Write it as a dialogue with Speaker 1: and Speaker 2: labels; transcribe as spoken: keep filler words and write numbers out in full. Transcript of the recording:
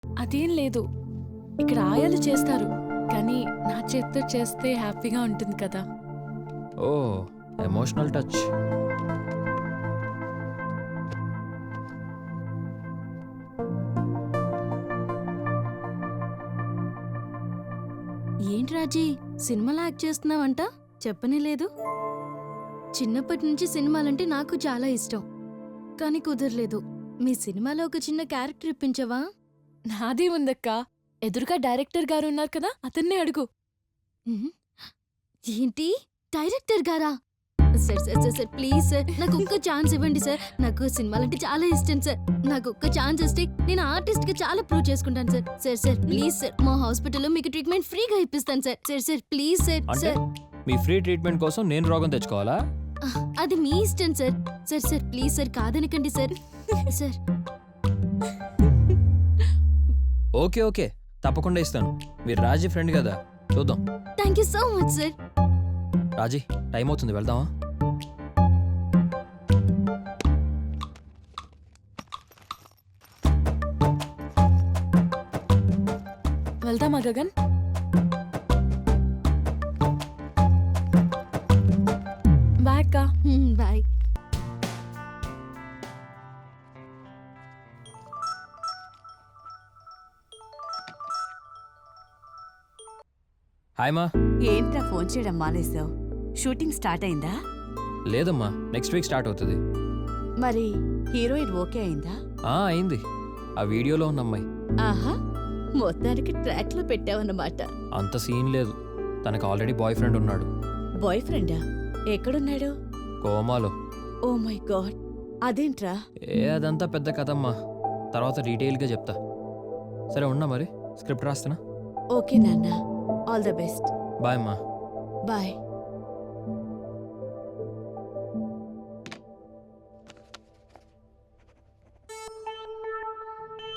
Speaker 1: అదేం లేదు. ఇక్కడ ఆయాలు చేస్తారు, కానీ నా చేత్తో చేస్తే హ్యాపీగా ఉంటుంది కదా.
Speaker 2: ఓ ఎమోషనల్ టచ్.
Speaker 3: ఏంటి రాజీ, సినిమాలో యాక్ట్ చేస్తున్నావంట? చెప్పనే లేదు. చిన్నప్పటి నుంచి సినిమాలంటే నాకు చాలా ఇష్టం, కానీ కుదరలేదు. మీ సినిమాలో ఒక చిన్న క్యారెక్టర్ ఇప్పించవా?
Speaker 1: నాదే ఉందక్క, ఎదురుగా డైరెక్టర్ గారు ఉన్నారు కదా, అతన్నే అడుగు.
Speaker 3: ఉహు. ఏంటి, డైరెక్టర్ గారా? Sir sir sir sir please sir, నాకు ఒక్క ఛాన్స్ ఇవ్వండి సార్. నాకు సినిమాలంటే చాలా ఇష్టం సార్. నాకు ఒక్క ఛాన్స్ ఇస్తే నేను ఆర్టిస్ట్ గా చాలా ప్రూవ్ చేసుకుంటాను sir. Sir sir please sir, మా హాస్పిటల్లో మీకు ట్రీట్మెంట్ ఫ్రీగా ఇప్పిస్తాను sir. Sir sir please sir.
Speaker 2: అంటే
Speaker 3: సార్
Speaker 2: మీ ఫ్రీ ట్రీట్మెంట్ కోసం నేను రోగం తెచ్చుకోవాలా?
Speaker 3: అది మీ ఇష్టం sir. Sir sir please sir, కాదనకండి సార్. సార్
Speaker 2: ఓకే ఓకే, తప్పకుండా ఇస్తాను. మీరు రాజీ ఫ్రెండ్ కదా, చూద్దాం.
Speaker 3: Thank you so much sir.
Speaker 2: Raji time అవుతుంది, వెళ్దామా?
Speaker 1: వెళ్దామా గగన్? బాయ్ అక్క.
Speaker 3: బాయ్.
Speaker 2: హాయ్ మా.
Speaker 4: ఏంట్రా ఫోన్ చేయడం మానేసావు? షూటింగ్ స్టార్ట్ అయిందా?
Speaker 2: లేదమ్మా, నెక్స్ట్ వీక్ స్టార్ట్ అవుతుంది.
Speaker 4: మరి హీరోయిన్ ఓకే అయిందా?
Speaker 2: ఆ అయింది, ఆ వీడియోలో ఉన్న అమ్మాయి.
Speaker 4: ఆహా, మొత్తానికి ట్రాక్ లో పెట్టావన్నమాట.
Speaker 2: అంత సీన్ లేదు, తనకు ఆల్రెడీ బాయ్ ఫ్రెండ్ ఉన్నాడు.
Speaker 4: బాయ్ ఫ్రెండా? ఎక్కడున్నాడు?
Speaker 2: కోమాలో.
Speaker 4: ఓ మై గాడ్, అదేంట్రా?
Speaker 2: ఏ అదంతా పెద్ద కథమ్మా, తర్వాత డీటెయిల్గా చెప్తా. సరే ఉన్నా, మరి స్క్రిప్ట్ రాస్తున్నా.
Speaker 4: ఓకే నాన్న, ఆల్ ద బెస్ట్.
Speaker 2: బాయ్ అమ్మా.
Speaker 4: బాయ్.